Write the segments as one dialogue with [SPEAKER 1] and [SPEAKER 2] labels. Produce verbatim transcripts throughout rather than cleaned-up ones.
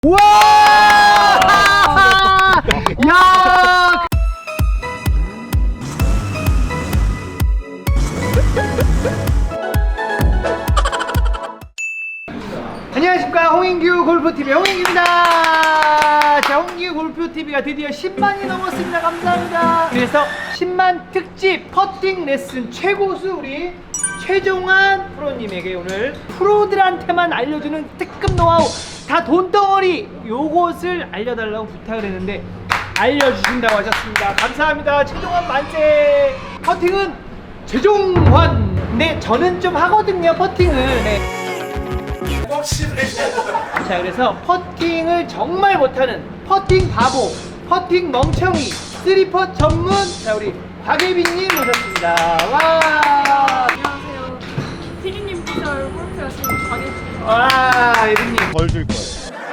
[SPEAKER 1] 우와! 야! 안녕하십니까, 홍인규 골프티비 홍인규입니다. 자, 홍인규 골프티비가 드디어 십만이 넘었습니다. 감사합니다. 그래서 십만 특집 퍼팅 레슨 최고수 우리 최종환 프로님에게 오늘 프로들한테만 알려주는 특급 노하우, 다 돈덩어리 요것을 알려달라고 부탁을 했는데 알려주신다고 하셨습니다. 감사합니다. 최종환 만세. 퍼팅은 최종환. 네, 저는 좀 하거든요, 퍼팅을. 네. 자, 그래서 퍼팅을 정말 못하는 퍼팅 바보, 퍼팅 멍청이, 쓰리퍼 전문, 자, 우리 박예빈님 모셨습니다. 와.
[SPEAKER 2] 안녕하세요. 피디님 피셜 골프 하시는 박예빈입니다.
[SPEAKER 1] 와, 예빈님.
[SPEAKER 3] 벌 줄 거예요.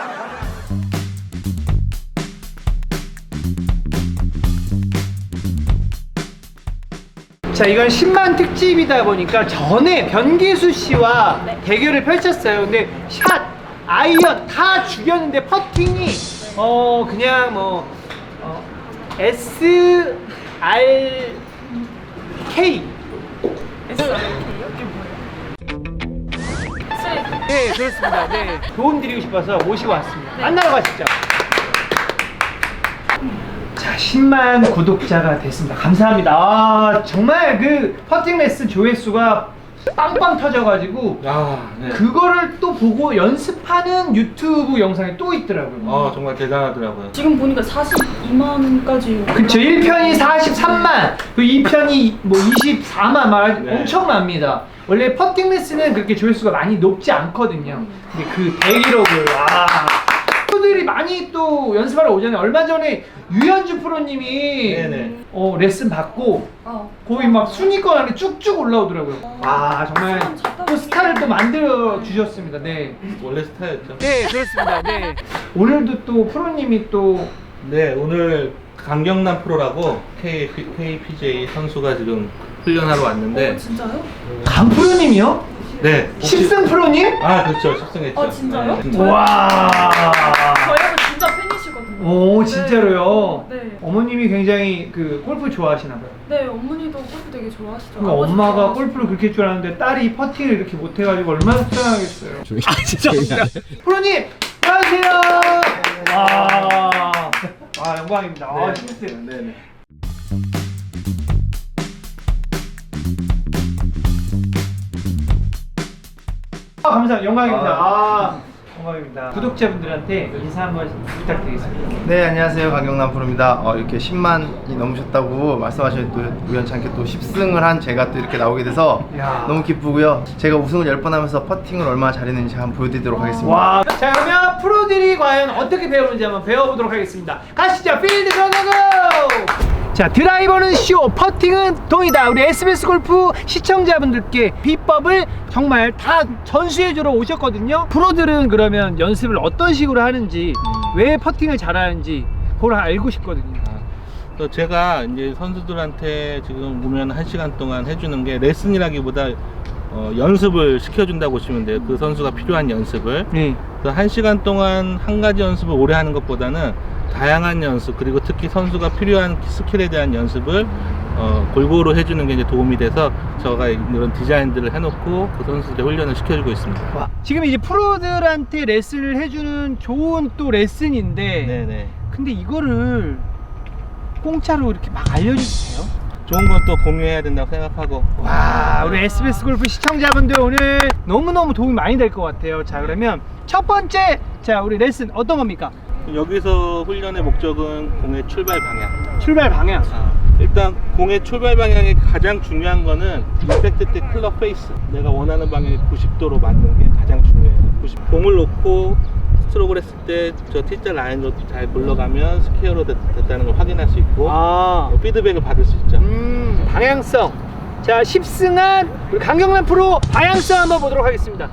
[SPEAKER 1] 자, 이건 십만 특집이다 보니까 전에 변기수 씨와
[SPEAKER 2] 네.
[SPEAKER 1] 대결을 펼쳤어요. 근데 샷, 아이언 다 죽였는데 퍼팅이 어 그냥 뭐 어, S R K.
[SPEAKER 2] 에스 알 케이요? 이게 뭐예요? 쓰레기.
[SPEAKER 1] 네, 그렇습니다. 네. 도움 드리고 싶어서 모시고 왔습니다.
[SPEAKER 2] 네.
[SPEAKER 1] 만나러 가시죠. 자, 십만 구독자가 됐습니다. 감사합니다. 아, 정말 그 퍼팅 레슨 조회수가 빵빵 터져가지고
[SPEAKER 3] 아, 네.
[SPEAKER 1] 그거를 또 보고 연습하는 유튜브 영상이 또 있더라고요.
[SPEAKER 3] 어, 정말 대단하더라고요.
[SPEAKER 2] 지금 보니까 사십이만까지.
[SPEAKER 1] 그쵸, 일 편이 사십삼만, 그 이 편이 뭐 이십사만 막
[SPEAKER 3] 네.
[SPEAKER 1] 엄청납니다. 원래 퍼팅 레슨은 그렇게 조회수가 많이 높지 않거든요. 근데 그 대기록을, 와. 프로들이 많이 또 연습하러 오잖아요. 얼마 전에 유현주 프로님이
[SPEAKER 3] 네네.
[SPEAKER 1] 어, 레슨 받고
[SPEAKER 2] 어.
[SPEAKER 1] 거의 막 순위권 안에 쭉쭉 올라오더라고요. 와, 정말 또 스타를 또 만들어 주셨습니다. 네.
[SPEAKER 3] 원래 스타였죠.
[SPEAKER 1] 네, 그렇습니다. 네. 오늘도 또 프로님이 또
[SPEAKER 3] 네, 오늘 강경남 프로라고 K, 케이피지에이 선수가 지금 훈련하러 왔는데.
[SPEAKER 2] 어, 진짜요?
[SPEAKER 1] 강 프로님이요?
[SPEAKER 3] 네. 혹시-
[SPEAKER 1] 십승 프로님?
[SPEAKER 3] 아, 그렇죠. 십승했죠.
[SPEAKER 2] 아, 진짜요?
[SPEAKER 3] 네, 진짜.
[SPEAKER 1] 와.
[SPEAKER 2] 저희가 진짜 팬이시거든요.
[SPEAKER 1] 오,
[SPEAKER 2] 네.
[SPEAKER 1] 진짜로요?
[SPEAKER 2] 네.
[SPEAKER 1] 어머님이 굉장히 그 골프 좋아하시나 봐요.
[SPEAKER 2] 네, 어머니도 골프 되게 좋아하시죠.
[SPEAKER 1] 그러니까
[SPEAKER 2] 아버지도
[SPEAKER 1] 엄마가
[SPEAKER 2] 좋아하시고.
[SPEAKER 1] 골프를 그렇게 좋아하는데 딸이 퍼팅을 이렇게 못해가지고 얼마나 속상하겠어요. 아, 진짜. 프로님, 안녕하세요. 와, 아, 영광입니다. 아, 재밌어요.
[SPEAKER 3] 네네.
[SPEAKER 1] 아, 감사합니다. 영광입니다. 아, 영광입니다. 구독자분들한테 인사 한번 부탁드리겠습니다.
[SPEAKER 4] 네, 안녕하세요. 강경남 프로입니다. 어, 이렇게 십만이 넘으셨다고 말씀하셨는데 또 우연찮게 또 십승을 한 제가 또 이렇게 나오게 돼서
[SPEAKER 1] 야.
[SPEAKER 4] 너무 기쁘고요. 제가 우승을 열 번 하면서 퍼팅을 얼마나 잘했는지 한번 보여드리도록 하겠습니다.
[SPEAKER 1] 와, 자, 그러면 프로들이 과연 어떻게 배우는지 한번 배워보도록 하겠습니다. 가시죠. 필드 고고고! 자, 드라이버는 쇼, 퍼팅은 동이다. 우리 에스비에스 골프 시청자분들께 비법을 정말 다 전수해주러 오셨거든요. 프로들은 그러면 연습을 어떤 식으로 하는지, 왜 퍼팅을 잘하는지 그걸 알고 싶거든요.
[SPEAKER 3] 또 제가 이제 선수들한테 지금 보면 한 시간 동안 해주는 게 레슨이라기보다 어, 연습을 시켜준다고 보시면 돼요. 그 선수가 필요한 연습을.
[SPEAKER 1] 네.
[SPEAKER 3] 그래서 한 시간 동안 한 가지 연습을 오래 하는 것보다는 다양한 연습, 그리고 특히 선수가 필요한 스킬에 대한 연습을 어, 골고루 해주는 게 이제 도움이 돼서 제가 이런 디자인들을 해놓고 그 선수들 훈련을 시켜주고 있습니다.
[SPEAKER 1] 와, 지금 이제 프로들한테 레슨을 해주는 좋은 또 레슨인데,
[SPEAKER 3] 네네.
[SPEAKER 1] 근데 이거를 공짜로 이렇게 막 알려주세요.
[SPEAKER 3] 좋은 건 또 공유해야 된다고 생각하고.
[SPEAKER 1] 와, 우리 에스비에스 골프 시청자분들 오늘 너무너무 도움이 많이 될 것 같아요. 자, 그러면 첫 번째, 자, 우리 레슨 어떤 겁니까?
[SPEAKER 3] 여기서 훈련의 목적은 공의 출발 방향.
[SPEAKER 1] 출발 방향.
[SPEAKER 3] 일단 공의 출발 방향이 가장 중요한 거는 임팩트 때 클럽 페이스, 내가 원하는 방향에 구십 도로 맞는 게 가장 중요해요. 구십, 공을 놓고 스트로크를 했을 때 저 T자 라인으로 잘 굴러가면 스퀘어로 됐, 됐다는 걸 확인할 수 있고
[SPEAKER 1] 아,
[SPEAKER 3] 피드백을 받을 수 있죠.
[SPEAKER 1] 음, 방향성. 자, 십승한 우리 강경남 프로 방향성 한번 보도록 하겠습니다.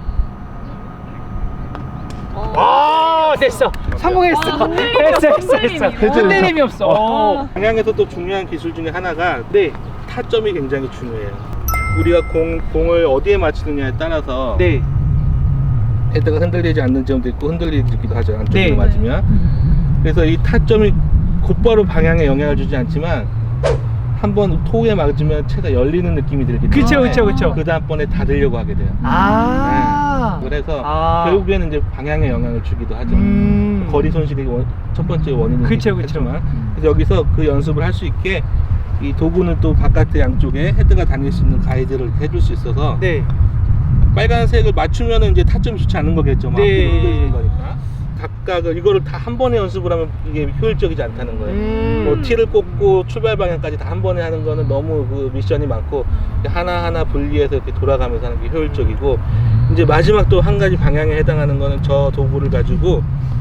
[SPEAKER 1] 아, 됐어. 성공했어.
[SPEAKER 2] 아, 흔들림이
[SPEAKER 1] 됐어,
[SPEAKER 2] 없어,
[SPEAKER 1] 됐어, 됐어.
[SPEAKER 2] 흔들림이요.
[SPEAKER 1] 흔들림이 없어. 어.
[SPEAKER 3] 방향에서 또 중요한 기술 중에 하나가
[SPEAKER 1] 네,
[SPEAKER 3] 타점이 굉장히 중요해요. 우리가 공, 공을 어디에 맞추느냐에 따라서
[SPEAKER 1] 네.
[SPEAKER 3] 헤드가 흔들리지 않는 점도 있고 흔들리기도 하죠. 안쪽으로
[SPEAKER 1] 네.
[SPEAKER 3] 맞으면. 그래서 이 타점이 곧바로 방향에 영향을 주지 않지만 한번 토우에 맞으면 채가 열리는 느낌이 들기 때문에
[SPEAKER 1] 그쵸, 그쵸, 그쵸.
[SPEAKER 3] 그 다음번에 닫으려고 하게 돼요.
[SPEAKER 1] 아.
[SPEAKER 3] 네. 그래서
[SPEAKER 1] 아.
[SPEAKER 3] 결국에는 이제 방향에 영향을 주기도 하죠.
[SPEAKER 1] 음.
[SPEAKER 3] 거리 손실이 원- 첫 번째 원인은
[SPEAKER 1] 그쵸, 그쵸.
[SPEAKER 3] 만 그래서 여기서 그 연습을 할 수 있게 이 도구는 또 바깥에 양쪽에 헤드가 다닐 수 있는 가이드를 이렇게 해줄 수 있어서
[SPEAKER 1] 네.
[SPEAKER 3] 빨간색을 맞추면은 이제 타점이 좋지 않은 거겠죠. 막
[SPEAKER 1] 네.
[SPEAKER 3] 앞뒤로 흔들리는 거니까. 각각을 이거를 다 한 번에 연습을 하면 이게 효율적이지 않다는 거예요.
[SPEAKER 1] 음.
[SPEAKER 3] 뭐 티를 꽂고 출발 방향까지 다 한 번에 하는 거는 너무 그 미션이 많고 하나하나 분리해서 이렇게 돌아가면서 하는 게 효율적이고 이제 마지막 또 한 가지 방향에 해당하는 거는 저 도구를 가지고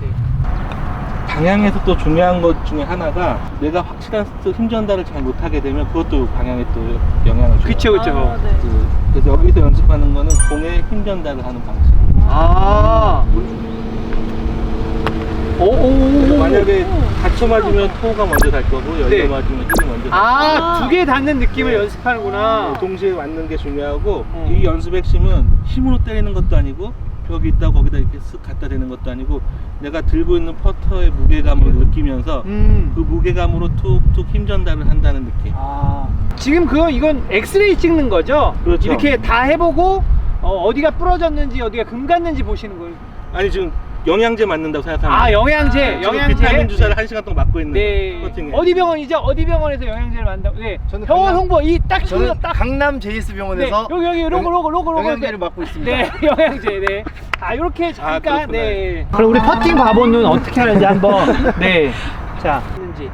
[SPEAKER 3] 방향에서 또 중요한 것 중에 하나가 내가 확실한 힘 전달을 잘 못하게 되면 그것도 방향에 또 영향을 줘요.
[SPEAKER 1] 그쵸, 그쵸.
[SPEAKER 2] 아, 네.
[SPEAKER 3] 그, 그래서 여기서 연습하는 거는 공에 힘 전달을 하는 방식.
[SPEAKER 1] 아. 오, 오, 오, 오.
[SPEAKER 3] 만약에 닫혀 맞으면 토우가 먼저 달 거고 열려
[SPEAKER 1] 네.
[SPEAKER 3] 맞으면 힘이 먼저 달
[SPEAKER 1] 아, 두 개 닿는 느낌을
[SPEAKER 3] 네.
[SPEAKER 1] 연습하는구나.
[SPEAKER 3] 거고 동시에 맞는 게 중요하고
[SPEAKER 1] 어.
[SPEAKER 3] 이 연습 핵심은 힘으로 때리는 것도 아니고 벽이 있다 거기다 이렇게 쓱 갖다 대는 것도 아니고 내가 들고 있는 퍼터의 무게감을 느끼면서
[SPEAKER 1] 음.
[SPEAKER 3] 그 무게감으로 툭툭 힘 전달을 한다는 느낌.
[SPEAKER 1] 아. 지금 그거 이건 엑스레이 찍는 거죠?
[SPEAKER 3] 그렇죠.
[SPEAKER 1] 이렇게 다 해보고 어, 어디가 부러졌는지 어디가 금 갔는지 보시는 거예요.
[SPEAKER 3] 아니 지금 영양제 맞는다고 생각하면
[SPEAKER 1] 아, 영양제,
[SPEAKER 3] 지금
[SPEAKER 1] 영양제.
[SPEAKER 3] 비타민 주사를 한 시간 동안 맞고 있는
[SPEAKER 1] 네.
[SPEAKER 3] 커팅에.
[SPEAKER 1] 어디 병원이죠? 어디 병원에서 영양제를 만든다고? 네.
[SPEAKER 4] 저는
[SPEAKER 1] 병원
[SPEAKER 4] 강남-
[SPEAKER 1] 홍보 이 딱
[SPEAKER 4] 저는
[SPEAKER 1] 저는 딱.
[SPEAKER 4] 강남 제이에스 병원에서
[SPEAKER 1] 네. 여기 여기 로고 로고 로고 로고
[SPEAKER 4] 영양제를
[SPEAKER 1] 이렇게.
[SPEAKER 4] 맡고 있습니다.
[SPEAKER 1] 네, 영양제. 네. 아, 이렇게 잠깐.
[SPEAKER 3] 그렇구나.
[SPEAKER 1] 네. 그럼 우리 퍼팅 바보는 어떻게 하는지 한번. 네. 자, 있는지.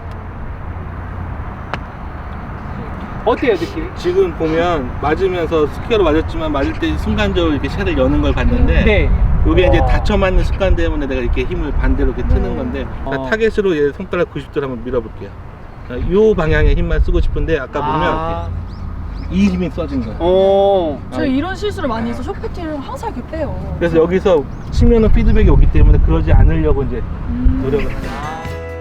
[SPEAKER 1] 어때요, 느낌?
[SPEAKER 3] 지금 보면 맞으면서 스퀘어로 맞았지만 맞을 때 순간적으로 이렇게 샷을 여는 걸 봤는데
[SPEAKER 1] 네.
[SPEAKER 3] 이게 이제
[SPEAKER 1] 와.
[SPEAKER 3] 닫혀 맞는 습관 때문에 내가 이렇게 힘을 반대로 이렇게 트는 건데 자,
[SPEAKER 1] 어.
[SPEAKER 3] 타겟으로 얘 손가락 구십 도를 한번 밀어볼게요. 자, 이 방향에 힘만 쓰고 싶은데 아까 보면
[SPEAKER 1] 아.
[SPEAKER 3] 이렇게 이 힘이 써진 거예요.
[SPEAKER 1] 어.
[SPEAKER 2] 저 이런 실수를 많이 해서 쇼패팅을 항상 이렇게 빼요.
[SPEAKER 3] 그래서 여기서 치면은 피드백이 오기 때문에 그러지 않으려고 이제
[SPEAKER 2] 음.
[SPEAKER 3] 노력을 해요.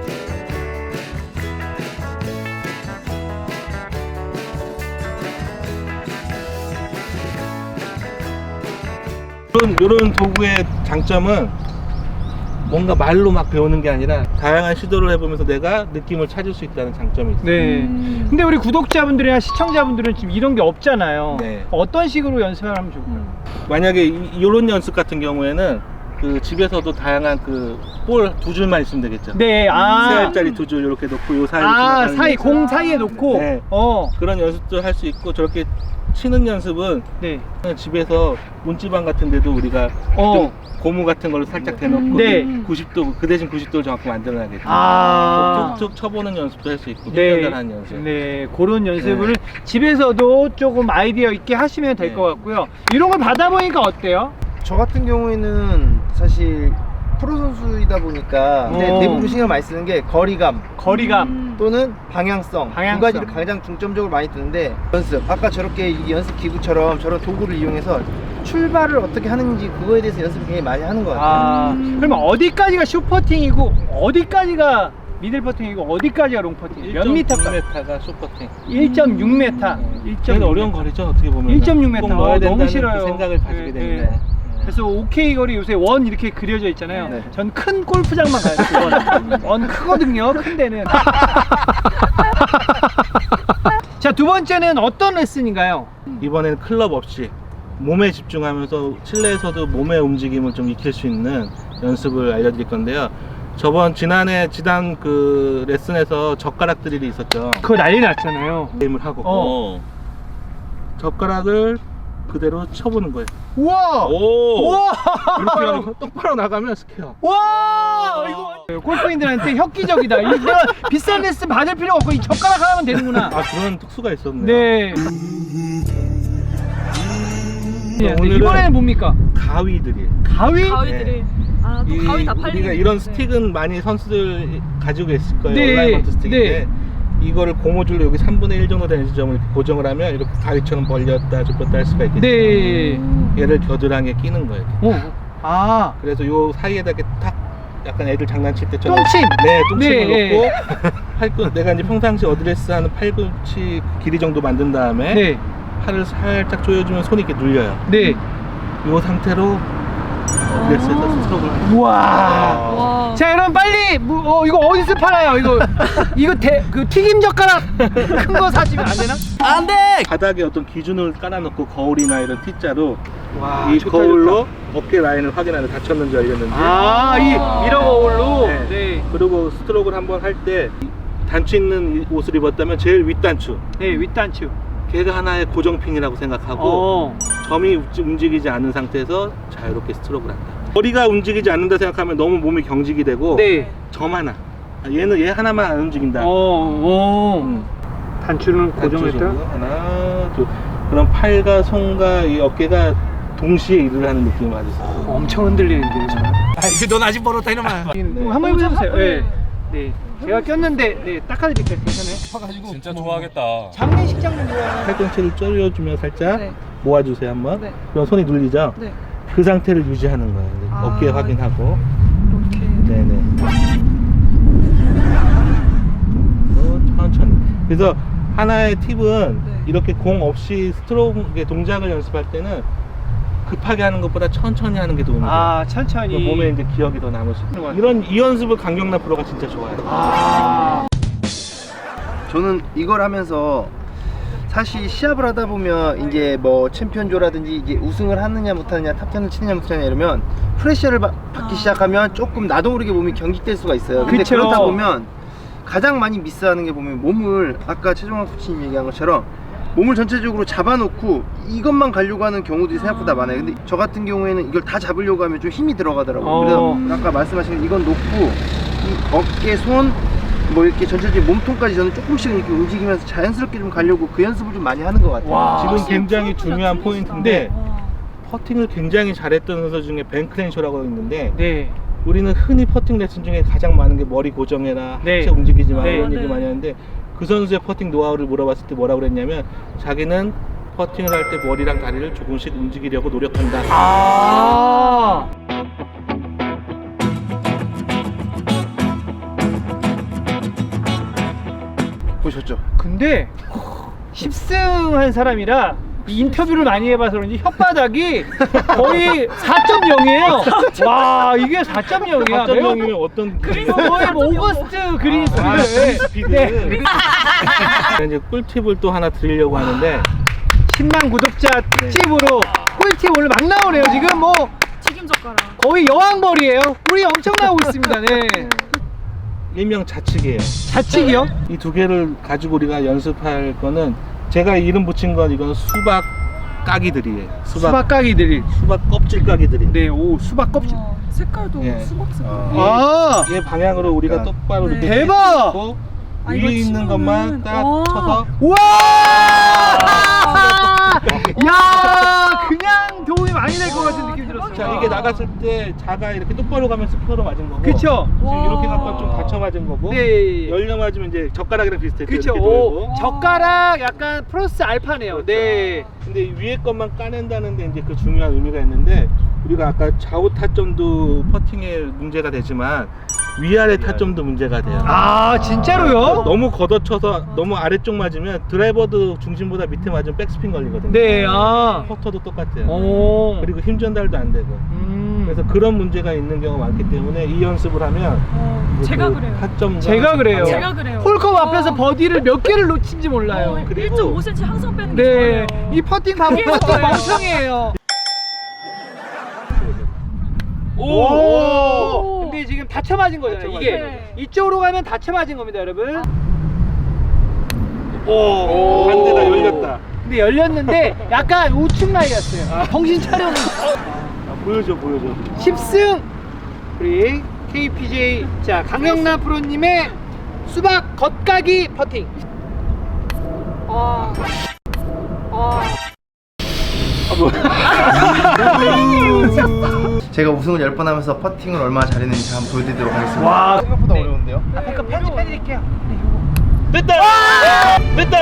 [SPEAKER 3] 이런, 이런 도구의 장점은 뭔가 말로 막 배우는 게 아니라 다양한 시도를 해보면서 내가 느낌을 찾을 수 있다는 장점이 있어요.
[SPEAKER 1] 네.
[SPEAKER 2] 음.
[SPEAKER 1] 근데 우리 구독자분들이나 시청자분들은 지금 이런 게 없잖아요.
[SPEAKER 3] 네.
[SPEAKER 1] 어떤 식으로 연습을 하면 좋을까요?
[SPEAKER 2] 음.
[SPEAKER 3] 만약에 이, 이런 연습 같은 경우에는 그 집에서도 다양한 그 볼 두 줄만 있으면 되겠죠.
[SPEAKER 1] 네,
[SPEAKER 3] 세
[SPEAKER 1] 아.
[SPEAKER 3] 알짜리 두 줄 이렇게 놓고 요 사이로
[SPEAKER 1] 아,
[SPEAKER 3] 지나가는
[SPEAKER 1] 사이,
[SPEAKER 3] 연습.
[SPEAKER 1] 공 사이에 놓고.
[SPEAKER 3] 네.
[SPEAKER 1] 어.
[SPEAKER 3] 그런 연습도 할 수 있고 저렇게 치는 연습은
[SPEAKER 1] 네.
[SPEAKER 3] 그냥 집에서 문지방 같은 데도 우리가
[SPEAKER 1] 어.
[SPEAKER 3] 좀 고무 같은 걸로 살짝 대놓고
[SPEAKER 1] 네.
[SPEAKER 3] 구십 도 그 대신 구십 도를 정확히 만들어야겠죠.
[SPEAKER 1] 아.
[SPEAKER 3] 툭툭 쳐보는 연습도 할 수 있고
[SPEAKER 1] 네.
[SPEAKER 3] 훈련하는 연습.
[SPEAKER 1] 네, 그런 연습을 집에서도 조금 아이디어 있게 하시면 될
[SPEAKER 3] 네.
[SPEAKER 1] 것 같고요. 이런 걸 받아보니까 어때요?
[SPEAKER 4] 저 같은 경우에는 사실 프로 선수이다 보니까 근데
[SPEAKER 1] 어.
[SPEAKER 4] 대부분 신경 많이 쓰는 게 거리감
[SPEAKER 1] 거리감.
[SPEAKER 2] 음.
[SPEAKER 4] 또는 방향성,
[SPEAKER 1] 방향성.
[SPEAKER 4] 두 가지를 가장 중점적으로 많이 뜨는데 연습 아까 저렇게 이 연습 기구처럼 저런 도구를 이용해서 출발을 어떻게 하는지 그거에 대해서 연습을 굉장히 많이 하는 것 같아요.
[SPEAKER 1] 아,
[SPEAKER 2] 음.
[SPEAKER 1] 그러면 어디까지가 슈퍼팅이고 어디까지가 미들 퍼팅이고 어디까지가 롱 퍼팅? 몇 미터까?
[SPEAKER 3] 일 점 육 미터가 쇼퍼팅.
[SPEAKER 1] 일 점 육 미터.
[SPEAKER 3] 제일 어려운 거리죠 어떻게 보면.
[SPEAKER 1] 일 점 육 미터.
[SPEAKER 3] 꼭 넣어야
[SPEAKER 1] 어,
[SPEAKER 3] 된다는
[SPEAKER 1] 너무 싫어요.
[SPEAKER 3] 그 생각을 가지게
[SPEAKER 1] 네,
[SPEAKER 3] 됩니다.
[SPEAKER 1] 네. 그래서 오케이 거리 요새 원 이렇게 그려져 있잖아요.
[SPEAKER 4] 네.
[SPEAKER 1] 전 큰 골프장만 가요. 원. 원 크거든요. 큰 데는. 자, 두 번째는 어떤 레슨인가요?
[SPEAKER 3] 이번에는 클럽 없이 몸에 집중하면서 실내에서도 몸의 움직임을 좀 익힐 수 있는 연습을 알려드릴 건데요. 저번 지난해 지난 그 레슨에서 젓가락 드릴이 있었죠.
[SPEAKER 1] 그거 난리 났잖아요.
[SPEAKER 3] 게임을 하고
[SPEAKER 1] 어.
[SPEAKER 3] 젓가락을 그대로 쳐보는 거예요.
[SPEAKER 1] 우와!
[SPEAKER 3] 오!
[SPEAKER 1] 우와!
[SPEAKER 3] 이렇게 하고 똑바로 나가면 스퀘어.
[SPEAKER 1] 와! 이거 골프인들한테 혁기적이다. 이거 비싼 레슨 받을 필요 없고 이 젓가락 하나면 되는구나.
[SPEAKER 3] 아 그런 특수가 있었네요.
[SPEAKER 1] 네. 네,
[SPEAKER 3] 오늘은
[SPEAKER 1] 이번에는 뭡니까?
[SPEAKER 3] 가위 드릴.
[SPEAKER 1] 가위?
[SPEAKER 2] 가위들이 아 또
[SPEAKER 3] 이
[SPEAKER 2] 가위 다 팔리는
[SPEAKER 3] 우리가 이런 스틱은 많이 선수들 가지고 있을 거예요.
[SPEAKER 1] 네,
[SPEAKER 3] 온라인먼트 스틱인데
[SPEAKER 1] 네.
[SPEAKER 3] 이거를 고무줄로 여기 삼분의 일 정도 되는 지점을 이렇게 고정을 하면 이렇게 가위처럼 벌렸다 줬다 할 수가 있겠죠.
[SPEAKER 1] 네.
[SPEAKER 3] 얘를 겨드랑이에 끼는 거예요.
[SPEAKER 1] 오. 아.
[SPEAKER 3] 그래서 요 사이에다 이렇게 탁 약간 애들 장난칠 때처럼
[SPEAKER 1] 똥침.
[SPEAKER 3] 네, 똥침을
[SPEAKER 1] 네.
[SPEAKER 3] 놓고 팔꿈 내가 이제 평상시 어드레스 하는 팔꿈치 길이 정도 만든 다음에
[SPEAKER 1] 네.
[SPEAKER 3] 팔을 살짝 조여주면 손이 이렇게 눌려요.
[SPEAKER 1] 네.
[SPEAKER 3] 요 상태로 그래서 스트로크를 하는
[SPEAKER 1] 우와.
[SPEAKER 2] 와.
[SPEAKER 1] 자, 여러분 빨리 뭐, 어, 이거 어디서 팔아요? 이거 이거 대, 그 튀김 젓가락 큰 거 사시면 안 되나? 안 돼.
[SPEAKER 3] 바닥에 어떤 기준을 깔아놓고 거울이나 이런 T자로
[SPEAKER 1] 와,
[SPEAKER 3] 이
[SPEAKER 1] 좋다,
[SPEAKER 3] 거울로 어깨 라인을 확인하는 닫혔는지 열렸는지.
[SPEAKER 1] 아, 이 미러 거울로.
[SPEAKER 3] 네.
[SPEAKER 1] 네.
[SPEAKER 3] 그리고 스트로크를 한번 할 때 단추 있는 이 옷을 입었다면 제일 윗단추.
[SPEAKER 1] 네, 윗단추.
[SPEAKER 3] 걔가 하나의 고정핀이라고 생각하고
[SPEAKER 1] 어.
[SPEAKER 3] 점이 움직이지 않는 상태에서 자유롭게 스트로크를 한다. 머리가 움직이지 않는다 생각하면 너무 몸이 경직이 되고
[SPEAKER 1] 네.
[SPEAKER 3] 점 하나. 아, 얘는 얘 하나만 안 움직인다.
[SPEAKER 1] 어, 어.
[SPEAKER 3] 음.
[SPEAKER 1] 단추는 고정했다.
[SPEAKER 3] 단추식으로 하나, 둘. 그럼 팔과 손과 이 어깨가 동시에 일을 하는 느낌이 받으세요.
[SPEAKER 1] 엄청 흔들리는데.
[SPEAKER 5] 아, 이거 넌 아직 멀었다 이놈아.
[SPEAKER 1] 한번 해보세요. 네. 네. 제가 꼈는데 네, 닦아드릴게요. 괜찮아요?
[SPEAKER 5] 진짜 좋아하겠다.
[SPEAKER 1] 장례식장도 좋아요.
[SPEAKER 3] 팔꿈치를 쪼여주면 살짝
[SPEAKER 2] 네.
[SPEAKER 3] 모아주세요 한번.
[SPEAKER 2] 네.
[SPEAKER 3] 그럼 손이 눌리죠?
[SPEAKER 2] 네.
[SPEAKER 3] 그 상태를 유지하는 거예요.
[SPEAKER 2] 아.
[SPEAKER 3] 어깨 확인하고.
[SPEAKER 2] 이렇게.
[SPEAKER 3] 네네. 어, 천천히. 그래서 하나의 팁은
[SPEAKER 2] 네.
[SPEAKER 3] 이렇게 공 없이 스트로크 동작을 연습할 때는 급하게 하는 것보다 천천히 하는 게 도움이 돼요.
[SPEAKER 1] 아, 천천히.
[SPEAKER 3] 그 몸에 이제 기억이 더 남을 수 있는. 이런 이 연습을 강경남 프로가 진짜 좋아해요.
[SPEAKER 1] 아.
[SPEAKER 4] 저는 이걸 하면서 사실 시합을 하다 보면 이제 뭐 챔피언조라든지 이제 우승을 하느냐 못하느냐 탑텐을 치느냐 못하느냐 이러면 프레셔를 받- 받기
[SPEAKER 2] 아.
[SPEAKER 4] 시작하면 조금 나도 모르게 몸이 경직될 수가 있어요. 근데
[SPEAKER 1] 그쵸.
[SPEAKER 4] 그러다 보면 가장 많이 미스하는 게 보면 몸을 아까 최종환 코치님 얘기한 것처럼 몸을 전체적으로 잡아놓고 이것만 가려고 하는 경우들이 생각보다 많아요. 근데 저 같은 경우에는 이걸 다 잡으려고 하면 좀 힘이 들어가더라고요.
[SPEAKER 1] 어.
[SPEAKER 4] 그래서 아까 말씀하신 이건 놓고 이 어깨, 손, 뭐 이렇게 전체적인 몸통까지 저는 조금씩 이렇게 움직이면서 자연스럽게 좀 가려고 그 연습을 좀 많이 하는 것 같아요.
[SPEAKER 1] 와.
[SPEAKER 3] 지금
[SPEAKER 2] 아,
[SPEAKER 3] 굉장히
[SPEAKER 2] 프로보다
[SPEAKER 3] 중요한
[SPEAKER 2] 틀리시다.
[SPEAKER 3] 포인트인데
[SPEAKER 2] 와.
[SPEAKER 3] 퍼팅을 굉장히 잘했던 선수 중에 벤 크렌쇼라고 있는데
[SPEAKER 1] 네.
[SPEAKER 3] 우리는 흔히 퍼팅 레슨 중에 가장 많은 게 머리 고정해라,
[SPEAKER 1] 네.
[SPEAKER 3] 하체 움직이지 마
[SPEAKER 1] 네.
[SPEAKER 3] 이런 얘기
[SPEAKER 2] 네.
[SPEAKER 3] 많이 하는데 그 선수의 퍼팅 노하우를 물어봤을 때 뭐라고 그랬냐면 자기는 퍼팅을 할 때 머리랑 다리를 조금씩 움직이려고 노력한다.
[SPEAKER 1] 아.
[SPEAKER 4] 보셨죠?
[SPEAKER 1] 근데 십 승 한 사람이라 이 인터뷰를 많이 해봐서 그런지 혓바닥이 거의 사 점 영이에요. 와, 이게 사 점 영이야.
[SPEAKER 3] 사 점 영이면 어떤
[SPEAKER 1] 그리고 거의 뭐 오거스트 그린
[SPEAKER 3] 아,
[SPEAKER 1] 스피드.
[SPEAKER 3] 스피드.
[SPEAKER 1] 네.
[SPEAKER 3] 이제 꿀팁을 또 하나 드리려고 하는데
[SPEAKER 1] 십만 구독자 특집으로 꿀팁 오늘 막 나오네요. 지금 뭐
[SPEAKER 2] 튀김 젓가락.
[SPEAKER 1] 거의 여왕벌이에요. 꿀이 엄청 나오고 있습니다. 네.
[SPEAKER 3] 일명 좌측이에요.
[SPEAKER 1] 좌측이요?
[SPEAKER 3] 이 두 개를 가지고 우리가 연습할 거는 제가 이름 붙인 건 이건 수박 까기들이에요. 수박
[SPEAKER 1] 수박 까기들이.
[SPEAKER 3] 수박 껍질 까기들이.
[SPEAKER 1] 네, 오 수박 껍질.
[SPEAKER 2] 와, 색깔도
[SPEAKER 3] 예.
[SPEAKER 2] 수박 색깔.
[SPEAKER 4] 어.
[SPEAKER 1] 아,
[SPEAKER 3] 얘 방향으로 우리가
[SPEAKER 4] 그러니까.
[SPEAKER 3] 똑바로
[SPEAKER 2] 네.
[SPEAKER 3] 이렇게
[SPEAKER 1] 대박!
[SPEAKER 3] 고
[SPEAKER 2] 아, 이거
[SPEAKER 3] 위에 있는
[SPEAKER 2] 치면은-
[SPEAKER 3] 것만 딱
[SPEAKER 2] 와.
[SPEAKER 3] 쳐서
[SPEAKER 1] 우와! 야, 그냥 도움이 많이 될 것 같은 느낌이 들었어요.
[SPEAKER 3] 자 이게 나갔을 때 자가 이렇게 똑바로 가면 스피어로 맞은 거고
[SPEAKER 1] 그쵸?
[SPEAKER 3] 지금
[SPEAKER 2] 와.
[SPEAKER 3] 이렇게 갖고 좀 다쳐 맞은 거고
[SPEAKER 1] 네.
[SPEAKER 3] 열려 맞으면 이제 젓가락이랑 비슷해.
[SPEAKER 1] 그쵸. 오, 젓가락 약간 플러스 알파네요. 네.
[SPEAKER 3] 근데 이 위에 것만 까낸다는데 이제 그 중요한 의미가 있는데 우리가 아까 좌우 타점도 퍼팅에 문제가 되지만 위아래 타점도 문제가 돼요.
[SPEAKER 1] 아, 진짜로요?
[SPEAKER 3] 너무 걷어쳐서 너무 아래쪽 맞으면 드라이버도 중심보다 밑에 맞으면 백스핀 걸리거든요.
[SPEAKER 1] 네, 아.
[SPEAKER 3] 퍼터도 똑같아요.
[SPEAKER 1] 오.
[SPEAKER 3] 그리고 힘 전달도 안 되고.
[SPEAKER 1] 음.
[SPEAKER 3] 그래서 그런 문제가 있는 경우가 많기 때문에 이 연습을 하면
[SPEAKER 2] 어,
[SPEAKER 3] 이제
[SPEAKER 2] 제가
[SPEAKER 3] 그
[SPEAKER 2] 그래요.
[SPEAKER 3] 타점과
[SPEAKER 1] 제가 그래요.
[SPEAKER 2] 제가 그래요.
[SPEAKER 1] 홀컵 앞에서
[SPEAKER 2] 어.
[SPEAKER 1] 버디를 몇 개를 놓친지 몰라요.
[SPEAKER 2] 어,
[SPEAKER 3] 그리고-
[SPEAKER 2] 일 점 오 센티미터 항상 빼는 게
[SPEAKER 1] 네.
[SPEAKER 2] 좋아요.
[SPEAKER 1] 이 퍼팅 바보
[SPEAKER 2] 그게
[SPEAKER 1] 퍼팅
[SPEAKER 2] 좋아요.
[SPEAKER 1] 멍청이에요.
[SPEAKER 3] 오!
[SPEAKER 1] 오. 근데 지금 다쳐 맞은 거잖아요.
[SPEAKER 3] 다쳐
[SPEAKER 1] 이게
[SPEAKER 2] 맞아요.
[SPEAKER 1] 이쪽으로 가면 다쳐 맞은 겁니다, 여러분.
[SPEAKER 3] 오! 반대다 열렸다.
[SPEAKER 1] 근데 열렸는데 약간 우측 라이였어요. 정신 차려.
[SPEAKER 3] 아, 보여줘 보여줘.
[SPEAKER 1] 십 승 우리 케이피제이 자 강영남 프로님의 수박 겉가기 퍼팅.
[SPEAKER 2] 아. 아.
[SPEAKER 4] 제가 우승을 열 번 하면서 퍼팅을 얼마나 잘했는지 한번 보여드리도록 하겠습니다.
[SPEAKER 1] 와.
[SPEAKER 4] 생각보다
[SPEAKER 1] 네.
[SPEAKER 4] 어려운데요?
[SPEAKER 1] 앞에 거 편집해드릴게요.
[SPEAKER 3] 됐다! 됐다!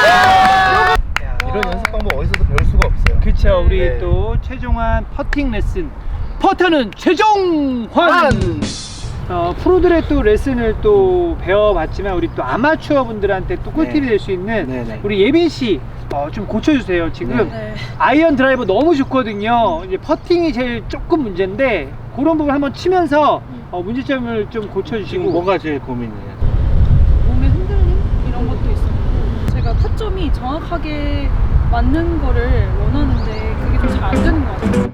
[SPEAKER 4] 이런 연습 방법 어디서도 배울 수가 없어요.
[SPEAKER 1] 그쵸, 우리
[SPEAKER 4] 네.
[SPEAKER 1] 또 최종환 퍼팅 레슨 퍼터는 최종환.
[SPEAKER 4] 환!
[SPEAKER 1] 어, 프로들의 또 레슨을 또 배워봤지만 우리 또 아마추어 분들한테 또 꿀팁이
[SPEAKER 3] 네.
[SPEAKER 1] 될 수 있는
[SPEAKER 3] 네, 네.
[SPEAKER 1] 우리 예빈 씨 어, 좀 고쳐주세요. 지금
[SPEAKER 2] 네.
[SPEAKER 1] 아이언 드라이버 너무 좋거든요. 이제 퍼팅이 제일 조금 문제인데 그런 부분 한번 치면서 어, 문제점을 좀
[SPEAKER 3] 지금
[SPEAKER 1] 고쳐주시고.
[SPEAKER 3] 뭐가 제일 고민이에요?
[SPEAKER 2] 몸의 흔들림 이런 것도 있었고 제가 타점이 정확하게 맞는 거를 원하는데 그게 좀 잘 안 되는 것 같아요.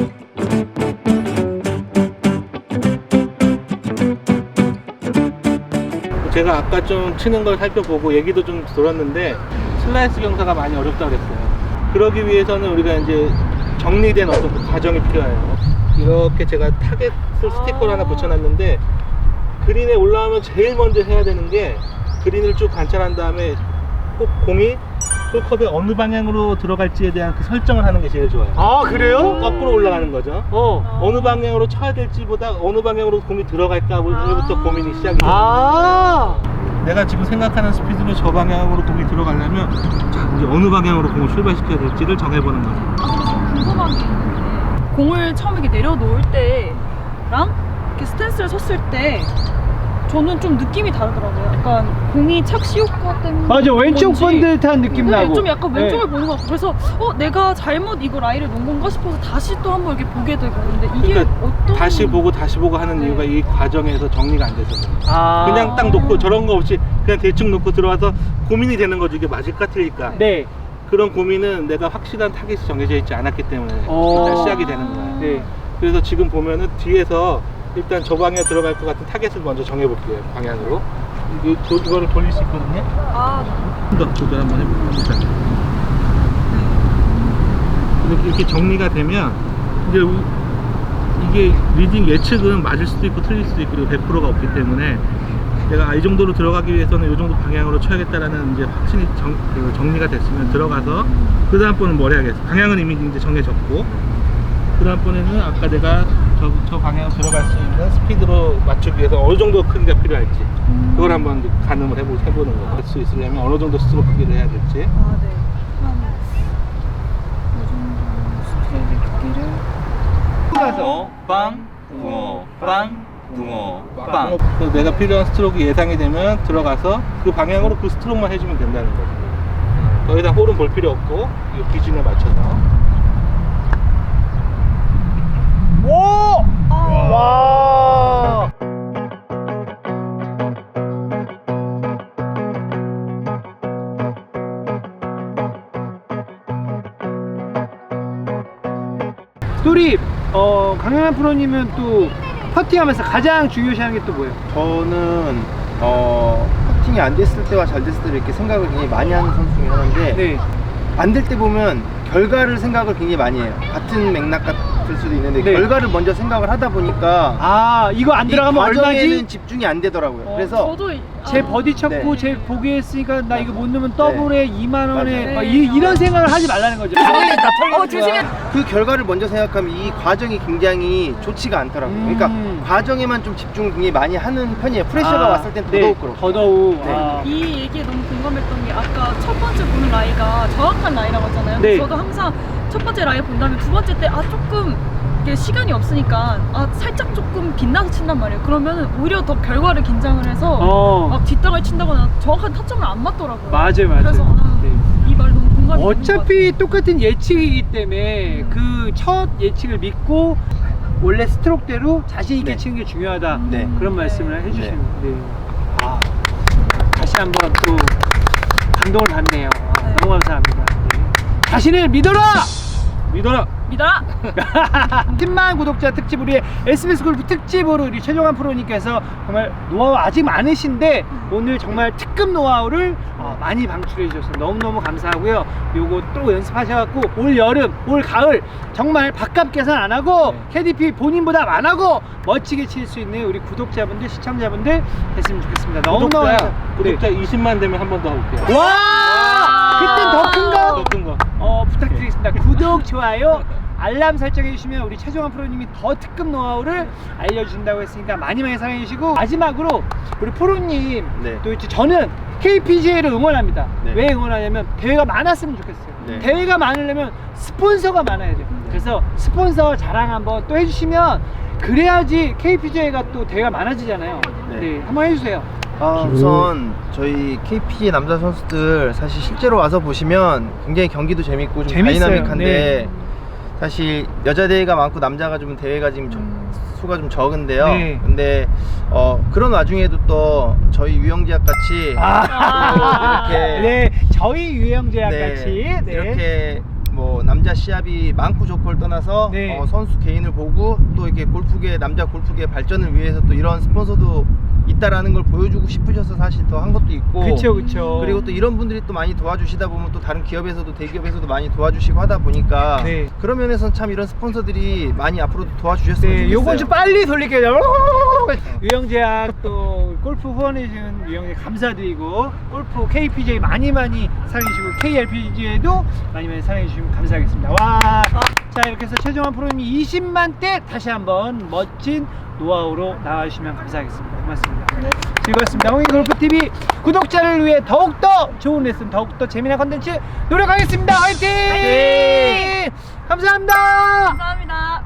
[SPEAKER 3] 제가 아까 좀 치는 걸 살펴보고 얘기도 좀 들었는데 슬라이스 경사가 많이 어렵다고 그랬어요. 그러기 위해서는 우리가 이제 정리된 어떤 그 과정이 필요해요. 이렇게 제가 타겟 스티커를 하나 붙여놨는데 그린에 올라오면 제일 먼저 해야 되는 게 그린을 쭉 관찰한 다음에 꼭 공이 홀컵에 어느 방향으로 들어갈지에 대한 그 설정을 하는 게 제일 좋아요.
[SPEAKER 1] 아 그래요?
[SPEAKER 3] 거꾸로 올라가는 거죠.
[SPEAKER 1] 어.
[SPEAKER 3] 어느 방향으로 쳐야 될지보다 어느 방향으로 공이 들어갈까부터
[SPEAKER 2] 아.
[SPEAKER 3] 고민이 시작이 돼요.
[SPEAKER 1] 아.
[SPEAKER 3] 내가 지금 생각하는 스피드로 저 방향으로 공이 들어가려면 자, 이제 어느 방향으로 공을 출발시켜야 될지를 정해보는 거죠.
[SPEAKER 2] 아, 근데 좀 궁금한 게 있는데 공을 처음에 이렇게 내려놓을 때랑 이렇게 스탠스를 섰을 때 저는 좀 느낌이 다르더라고요. 약간 공이 착시 효과 때문에
[SPEAKER 1] 맞아, 왼쪽
[SPEAKER 2] 건지.
[SPEAKER 1] 본 듯한 느낌
[SPEAKER 2] 네,
[SPEAKER 1] 나고.
[SPEAKER 2] 좀 약간 왼쪽을
[SPEAKER 1] 네.
[SPEAKER 2] 보는 것 같고 그래서 어 내가 잘못 이거 라이를 놓은 건가 싶어서 다시 또 한번 이렇게 보게 되고 근데 이게
[SPEAKER 3] 그러니까
[SPEAKER 2] 어떤
[SPEAKER 3] 다시 보고 다시 보고 하는
[SPEAKER 2] 네.
[SPEAKER 3] 이유가 이 과정에서 정리가 안 돼서 그래요.
[SPEAKER 1] 아.
[SPEAKER 3] 그냥 딱 놓고 저런 거 없이 그냥 대충 놓고 들어와서 고민이 되는 거죠. 이게 맞을까 틀릴까.
[SPEAKER 1] 네.
[SPEAKER 3] 그런 고민은 내가 확실한 타겟이 정해져 있지 않았기 때문에
[SPEAKER 1] 어.
[SPEAKER 3] 일단 시작이 되는 거예요.
[SPEAKER 1] 네.
[SPEAKER 3] 그래서 지금 보면은 뒤에서 일단 저 방향에 들어갈 것 같은 타겟을 먼저 정해볼게요. 방향으로. 이, 도, 이거를 돌릴 수 있거든요.
[SPEAKER 2] 아
[SPEAKER 3] 좀 더 조절 한번 해볼까. 이렇게, 이렇게 정리가 되면 이제 우- 이게 리딩 예측은 맞을 수도 있고 틀릴 수도 있고 그리고 백 퍼센트가 없기 때문에 내가 아, 이 정도로 들어가기 위해서는 이 정도 방향으로 쳐야겠다라는 이제 확신이 정, 그 정리가 됐으면 들어가서 그 다음 번은 뭘 해야겠어. 방향은 이미 이제 정해졌고 그 다음 번에는 아까 내가 저, 저 방향으로 들어갈 수 있는 스피드로 맞추기 위해서 어느 정도 크기가 필요할지 그걸 한번 이제 가늠을 해보, 해보는 거예요. 할 수 있으려면 어느 정도 스트로크 크기를 해야 될지.
[SPEAKER 2] 아, 네. 한이 정도 스트레이트 크기를
[SPEAKER 5] 붕어 빵 붕어 빵 붕어 빵.
[SPEAKER 3] 그래서 내가 필요한 스트로크 예상이 되면 들어가서 그 방향으로 그 스트로크만 해주면 된다는 거죠. 더 이상 홀은 볼 필요 없고 이 기준에 맞춰서.
[SPEAKER 1] 오! 와! 또 우리 어, 강영환 프로님은 또 퍼팅하면서 가장 중요시하는 게 또 뭐예요?
[SPEAKER 4] 저는 어 퍼팅이 안 됐을 때와 잘 됐을 때 이렇게 생각을 굉장히 많이 하는 선수 중에 하나인데
[SPEAKER 1] 네.
[SPEAKER 4] 안 될 때 보면 결과를 생각을 굉장히 많이 해요. 같은 맥락 같을 수도 있는데
[SPEAKER 1] 네.
[SPEAKER 4] 결과를 먼저 생각을 하다 보니까
[SPEAKER 1] 아 이거 안
[SPEAKER 4] 이
[SPEAKER 1] 들어가면
[SPEAKER 4] 과정에는
[SPEAKER 1] 얼마지?
[SPEAKER 4] 집중이 안 되더라고요.
[SPEAKER 2] 어,
[SPEAKER 4] 그래서
[SPEAKER 2] 저도 이-
[SPEAKER 1] 제
[SPEAKER 2] 아,
[SPEAKER 1] 버디 쳤고
[SPEAKER 4] 네.
[SPEAKER 1] 제 보기했으니까 나 이거 못 넣으면 더블에 이만 원에
[SPEAKER 4] 맞아요.
[SPEAKER 1] 막 이, 이런 생각을 하지 말라는 거죠.
[SPEAKER 2] 어 조심해.
[SPEAKER 4] 그 결과를 먼저 생각하면 이 과정이 굉장히 좋지가 않더라고요.
[SPEAKER 1] 음.
[SPEAKER 4] 그러니까 과정에만 좀 집중을 굉장히 많이 하는 편이에요. 프레셔가
[SPEAKER 1] 아,
[SPEAKER 4] 왔을 땐
[SPEAKER 1] 네,
[SPEAKER 4] 더더욱 그렇고.
[SPEAKER 1] 더더욱.
[SPEAKER 4] 네.
[SPEAKER 1] 아.
[SPEAKER 2] 이 얘기에 너무 공감했던 게 아까 첫 번째 보는 라이가 정확한 라이라고 했잖아요.
[SPEAKER 1] 네.
[SPEAKER 2] 저도 항상 첫 번째 라이 본 다음에 두 번째 때 아 조금 이게 시간이 없으니까 아 살짝 조금 빛나서 친단 말이에요. 그러면 오히려 더 결과를 긴장을 해서
[SPEAKER 1] 어.
[SPEAKER 2] 막 뒷땅을 친다거나 정확한 타점을 안 맞더라고요.
[SPEAKER 1] 맞아요, 맞아요.
[SPEAKER 2] 그래서 아,
[SPEAKER 1] 네.
[SPEAKER 2] 이 말 너무 공감이
[SPEAKER 1] 어차피 똑같은 예측이기 때문에 그 첫 예측을 믿고 원래 스트로크대로 자신 있게
[SPEAKER 4] 네.
[SPEAKER 1] 치는 게 중요하다.
[SPEAKER 4] 네.
[SPEAKER 1] 그런
[SPEAKER 2] 네.
[SPEAKER 1] 말씀을 해주시는 네. 아, 다시 한번 또 감동을 받네요. 아,
[SPEAKER 2] 네.
[SPEAKER 1] 너무 감사합니다. 네. 자신을 믿어라!
[SPEAKER 3] 믿어라!
[SPEAKER 2] 믿어라.
[SPEAKER 1] 십만 구독자 특집 우리 에스비에스 골프 특집으로 우리 최종환 프로님께서 정말 노하우 아직 많으신데 오늘 정말 특급 노하우를 어, 많이 방출해 주셔서 너무너무 감사하고요. 요거 또 연습하셔갖고 올 여름, 올 가을 정말 밥값 계산 안 하고
[SPEAKER 3] 네.
[SPEAKER 1] 케이디피 본인보다 안 하고 멋지게 칠 수 있는 우리 구독자분들, 시청자분들 됐으면 좋겠습니다. 너무너무
[SPEAKER 3] 구독자,
[SPEAKER 1] 감사-
[SPEAKER 3] 구독자 이십만 되면 한 번 더 올게요.
[SPEAKER 1] 네. 와! 그땐 더 큰 거?
[SPEAKER 3] 더 큰 거.
[SPEAKER 1] 어, 부탁드리겠습니다. 구독, 좋아요, 알람 설정해 주시면 우리 최종환 프로님이 더 특급 노하우를 알려주신다고 했으니까 많이 많이 사랑해 주시고 마지막으로 우리 프로님
[SPEAKER 4] 네.
[SPEAKER 1] 또 이제 저는 케이피지에이를 응원합니다.
[SPEAKER 4] 네.
[SPEAKER 1] 왜 응원하냐면 대회가 많았으면 좋겠어요.
[SPEAKER 4] 네.
[SPEAKER 1] 대회가 많으려면 스폰서가 많아야 돼요. 그래서 스폰서 자랑 한번 또 해주시면 그래야지 케이피지에이가 또 대회가 많아지잖아요.
[SPEAKER 4] 네.
[SPEAKER 1] 네, 한번 해주세요.
[SPEAKER 4] 아, 우선 저희 케이피지에이 남자 선수들 사실 실제로 와서 보시면 굉장히 경기도 재밌고 좀
[SPEAKER 1] 재밌어요.
[SPEAKER 4] 다이나믹한데
[SPEAKER 1] 네.
[SPEAKER 4] 사실 여자 대회가 많고 남자가 좀 대회가 지금 좀 수가 좀 적은데요.
[SPEAKER 1] 네.
[SPEAKER 4] 근데 어, 그런 와중에도 또 저희 유영지학 같이
[SPEAKER 1] 아,
[SPEAKER 4] 이렇게
[SPEAKER 1] 네, 저희 유영재학
[SPEAKER 4] 네,
[SPEAKER 1] 같이 네.
[SPEAKER 4] 이렇게 뭐 남자 시합이 많고 좋고를 떠나서
[SPEAKER 1] 네.
[SPEAKER 4] 어, 선수 개인을 보고 또 이렇게 골프계 남자 골프계 발전을 위해서 또 이런 스폰서도 있다라는 걸 보여주고 싶으셔서 사실 더 한 것도 있고
[SPEAKER 1] 그쵸 그쵸.
[SPEAKER 4] 그리고 또 이런 분들이 또 많이 도와주시다 보면 또 다른 기업에서도 대기업에서도 많이 도와주시고 하다 보니까
[SPEAKER 1] 네.
[SPEAKER 4] 그런 면에서는 참 이런 스폰서들이 많이 앞으로도 도와주셨으면
[SPEAKER 1] 네,
[SPEAKER 4] 좋겠어요.
[SPEAKER 1] 요건 좀 빨리 돌릴게요. 유영재학 또 골프 후원해준 유영재 감사드리고 골프 케이피지에이 많이 많이 사랑해주시고 케이엘피지에이도 많이 많이 사랑해주시면 감사하겠습니다. 와, 자 이렇게 해서 최종환 프로님이 이십만 대 다시 한번 멋진 노하우로 나와주시면 감사하겠습니다. 고맙습니다. 즐거웠습니다. 홍익 골프티비 구독자를 위해 더욱더 좋은 레슨, 더욱더 재미난 컨텐츠 노력하겠습니다. 화이팅!
[SPEAKER 2] 화이팅!
[SPEAKER 1] 감사합니다.
[SPEAKER 2] 감사합니다.